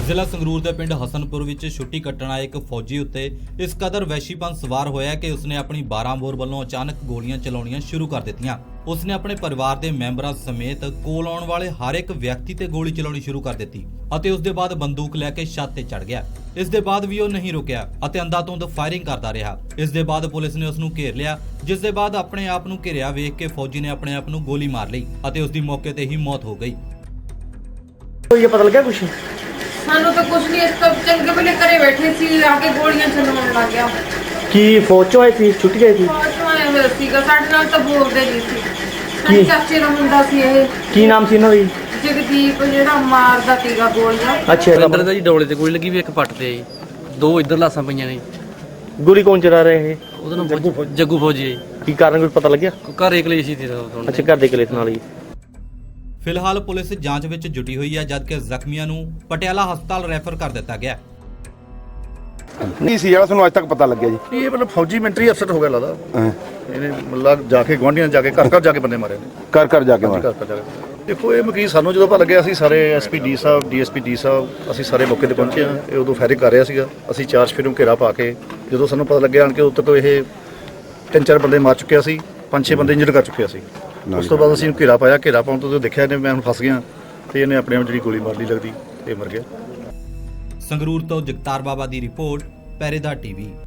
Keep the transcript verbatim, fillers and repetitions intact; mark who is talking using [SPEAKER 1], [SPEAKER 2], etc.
[SPEAKER 1] ਜ਼ਿਲ੍ਹਾ ਸੰਗਰੂਰ ਦੇ ਪਿੰਡ ਹਸਨਪੁਰ ਵਿੱਚ ਛੁੱਟੀ ਕੱਟਣ ਆਏ ਇੱਕ ਫੌਜੀ ਉੱਤੇ ਇਸ ਕਦਰ ਵਹਿਸ਼ੀਪਨ ਸਵਾਰ ਹੋਇਆ ਕਿ ਉਸਨੇ ਆਪਣੀ ਬਾਰਾਂ ਬੋਰ ਵੱਲੋਂ ਅਚਾਨਕ ਗੋਲੀਆਂ ਚਲਾਉਣੀਆਂ ਸ਼ੁਰੂ ਕਰ ਦਿੱਤੀਆਂ। ਉਸਨੇ ਆਪਣੇ ਪਰਿਵਾਰ ਦੇ ਮੈਂਬਰਾਂ ਸਮੇਤ ਕੋਲ ਆਉਣ ਵਾਲੇ ਹਰ ਇੱਕ ਵਿਅਕਤੀ ਤੇ ਗੋਲੀ ਚਲਾਉਣੀ ਸ਼ੁਰੂ ਕਰ ਦਿੱਤੀ ਅਤੇ ਉਸ ਦੇ ਬਾਅਦ ਬੰਦੂਕ ਲੈ ਕੇ ਛੱਤ ਤੇ ਚੜ੍ਹ ਗਿਆ। ਇਸ ਦੇ ਬਾਅਦ ਵੀ ਉਹ ਨਹੀਂ ਰੁਕਿਆ ਅਤੇ ਅੰਧਾਧੁੰਦ ਫਾਇਰਿੰਗ ਕਰਦਾ ਰਿਹਾ। ਇਸ ਦੇ ਬਾਅਦ ਪੁਲਿਸ ਨੇ ਉਸ ਨੂੰ ਘੇਰ ਲਿਆ, ਜਿਸ ਦੇ ਬਾਅਦ ਆਪਣੇ ਆਪ ਨੂੰ ਘੇਰਿਆ ਵੇਖ ਕੇ ਫੌਜੀ ਨੇ ਆਪਣੇ ਆਪ ਨੂੰ ਗੋਲੀ ਮਾਰ ਲਈ ਅਤੇ ਉਸ ਦੀ ਮੌਕੇ ਤੇ ਹੀ ਮੌਤ ਹੋ ਗਈ।
[SPEAKER 2] ये पता लगा कुछ
[SPEAKER 3] ਸਾਨੂੰ ਤਾਂ ਕੁਝ ਨਹੀਂ, ਇਸ ਤੋਂ ਚੰਗੇ ਵੇਲੇ ਘਰੇ ਬੈਠੇ ਸੀ, ਆ ਕੇ ਗੋਲੀਆਂ ਚਲਾਉਣ ਲੱਗ ਗਿਆ।
[SPEAKER 2] कि फौज चो आई थी छुट्टी आई थी
[SPEAKER 3] ਫੌਜ ਤੋਂ ਆਇਆ ਹੋਇਆ ਸੀਗਾ, ਸਾਡੇ ਨਾਲ ਤਾਂ ਬੋਲਦੇ ਨਹੀਂ ਸੀ। ਸਾਡੇ
[SPEAKER 2] ਕੀ?
[SPEAKER 3] ਚਾਚੇ ਦਾ ਮੁੰਡਾ ਸੀ ਇਹ
[SPEAKER 2] की नाम सी इन्हों दी
[SPEAKER 3] ਜਗਦੀਪ, ਜਿਹੜਾ ਮਾਰਦਾ ਸੀਗਾ ਗੋਲੀਆਂ।
[SPEAKER 2] अच्छा
[SPEAKER 4] ਅੰਦਰ ਦਾ ਜੀ ਡੋਲੇ ਤੇ ਗੋਲੀ ਲੱਗੀ ਵੀ ਇੱਕ ਪੱਟ ਤੇ ਜੀ, ਦੋ ਇੱਧਰ ਲਾਸਾਂ ਪਈਆਂ ਨੇ।
[SPEAKER 2] गोली कौन चला रहे हैं
[SPEAKER 4] ਉਹਦਾ ਨਾਮ ਫੌਜੀ- ਜੱਗੂ ਫੌਜੀ ਹੈ
[SPEAKER 2] की कारण कुछ पता लग गया?
[SPEAKER 4] ਜੀ। ਘਰ ਇਕਲੇ ਸੀ ਤੇ ਦੋਨੋਂ।
[SPEAKER 2] अच्छा घर दे कलेस नाल ही
[SPEAKER 1] ਫਿਲਹਾਲ ਪੁਲਿਸ ਜਾਂਚ ਵਿੱਚ ਜੁਟੀ ਹੋਈ ਹੈ, ਜਦਕਿ ਜ਼ਖਮੀਆਂ ਨੂੰ ਪਟਿਆਲਾ ਹਸਪਤਾਲ ਰੈਫਰ ਕਰ ਦਿੱਤਾ ਗਿਆ।
[SPEAKER 5] ਨਹੀਂ ਸੀ ਜਿਹੜਾ ਸਾਨੂੰ ਅੱਜ ਤੱਕ ਪਤਾ ਲੱਗਿਆ ਜੀ।
[SPEAKER 6] ਇਹ ਮਤਲਬ ਫੌਜੀ ਮਿਲਟਰੀ ਅਫਸਰ ਹੋ ਗਿਆ ਲੱਗਦਾ।
[SPEAKER 5] ਹਾਂ,
[SPEAKER 6] ਇਹਨੇ ਮਤਲਬ ਜਾ ਕੇ ਗੁਆਂਢੀਆਂ ਜਾ ਕੇ ਘਰ ਘਰ ਜਾ ਕੇ ਬੰਦੇ ਮਾਰੇ ਨੇ।
[SPEAKER 5] ਘਰ ਘਰ ਜਾ ਕੇ ਮਾਰ
[SPEAKER 6] ਘਰ ਘਰ ਜਾ ਕੇ ਦੇਖੋ, ਇਹ ਮਕੀ ਸਾਨੂੰ ਜਦੋਂ ਪਤਾ ਲੱਗਿਆ, ਅਸੀਂ ਸਾਰੇ ਐਸਪੀ ਡੀ ਸਾਹਿਬ, ਡੀਐਸਪੀ ਡੀ ਸਾਹਿਬ, ਅਸੀਂ ਸਾਰੇ ਮੌਕੇ ਤੇ ਪਹੁੰਚੇ ਹਾਂ। ਇਹ ਉਦੋਂ ਫਾਇਰਿੰਗ ਕਰ ਰਿਹਾ ਸੀਗਾ। ਅਸੀਂ ਚਾਰ ਸਫੇਰੋਂ ਘੇਰਾ ਪਾ ਕੇ ਜਦੋਂ ਸਾਨੂੰ ਪਤਾ ਲੱਗਿਆ ਆਣ ਕੇ ਉੱਤੋਂ ਤੋਂ ਇਹ ਤਿੰਨ ਚਾਰ ਬੰਦੇ ਮਾਰ ਚੁੱਕਿਆ ਸੀ, ਪੰਜ ਛੇ ਬੰਦੇ ਇੰਜਰਡ ਕਰ ਚੁੱਕਿਆ ਸੀ। ਉਸ ਤੋਂ ਬਾਅਦ ਅਸੀਂ ਘੇਰਾ ਪਾਇਆ। ਘੇਰਾ ਪਾਉਣ ਤੋਂ ਦੇਖਿਆ ਇਹਨੇ ਮੈਂ ਹੁਣ ਫਸ ਗਿਆ ਤੇ ਇਹਨੇ ਆਪਣੇ ਆਪ ਜਿਹੜੀ ਗੋਲੀ ਮਾਰ ਲਈ ਲੱਗਦੀ ਤੇ ਮਰ ਗਿਆ।
[SPEAKER 1] ਸੰਗਰੂਰ ਤੋਂ ਜਗਤਾਰ ਬਾਬਾ ਦੀ ਰਿਪੋਰਟ, ਪਹਿਰੇਦਾਰ ਟੀਵੀ।